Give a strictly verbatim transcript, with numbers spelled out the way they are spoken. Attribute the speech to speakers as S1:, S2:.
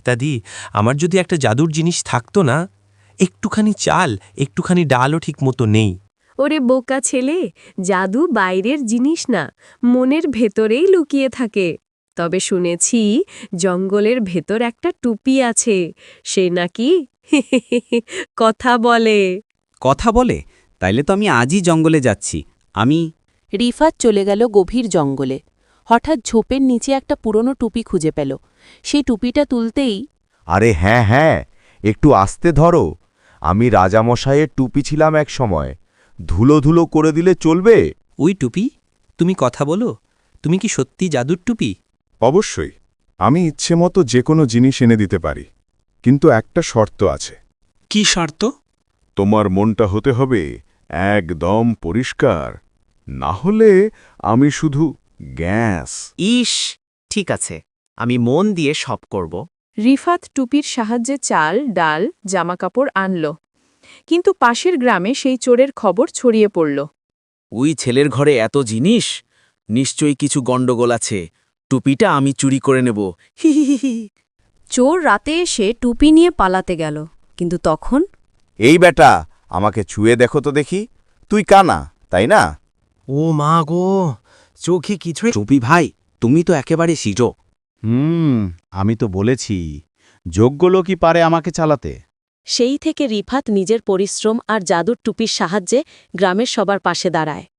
S1: কর্তাদি, আমার যদি একটা জাদুর জিনিস থাকতো না, একটুখানি চাল, একটুখানি ডালও ঠিক মতো নেই।
S2: ওরে বোকা ছেলে, জাদু বাইরের জিনিস না, মনের ভেতরেই লুকিয়ে থাকে। তবে শুনেছি জঙ্গলের ভেতর একটা টুপি আছে, সে নাকি কথা বলে।
S3: কথা বলে? তাইলে তো আমি আজই জঙ্গলে যাচ্ছি। আমি
S4: রিফাত চলে গেল গভীর জঙ্গলে। হঠাৎ ঝোপের নিচে একটা পুরনো টুপি খুঁজে পেল। সেই টুপিটা তুলতেই
S5: আরে হ্যাঁ হ্যাঁ, একটু আস্তে ধরো। আমি রাজামশাইয়ের টুপি ছিলাম এক সময়। ধুলো ধুলো করে দিলে চলবে?
S1: ওই টুপি, তুমি কথা বলো? তুমি কি সত্যি জাদুর টুপি?
S6: অবশ্যই, আমি ইচ্ছে মতো যে কোনো জিনিস এনে দিতে পারি, কিন্তু একটা শর্ত আছে।
S3: কি শর্ত?
S6: তোমার মনটা হতে হবে একদম পরিষ্কার, না হলে আমি শুধু গ্যাস।
S7: ইস, ঠিক আছে, আমি মন দিয়ে সব করব।
S2: রিফাত টুপির সাহায্যে চাল, ডাল, জামাকাপড় আনল। কিন্তু পাশের গ্রামে সেই চোরের খবর ছড়িয়ে পড়ল।
S7: ওই ছেলের ঘরে এত জিনিস, নিশ্চয়ই কিছু গন্ডগোল আছে। টুপিটা আমি চুরি করে নেব। হি হি হি হি।
S8: চোর রাতে এসে টুপি নিয়ে পালাতে গেল, কিন্তু তখন
S5: এই বেটা, আমাকে ছুঁয়ে দেখো তো দেখি। তুই কানা, তাই না?
S7: ও মা গো, চোখে কিছুই।
S3: টুপি ভাই, তুমি তো একেবারে সিজো।
S9: হুম, আমি তো বলেছি, যোগ্য লোকই পারে আমাকে চালাতে।
S4: সেই থেকে রিফাত নিজের পরিশ্রম আর জাদুর টুপির সাহায্যে গ্রামের সবার পাশে দাঁড়ায়।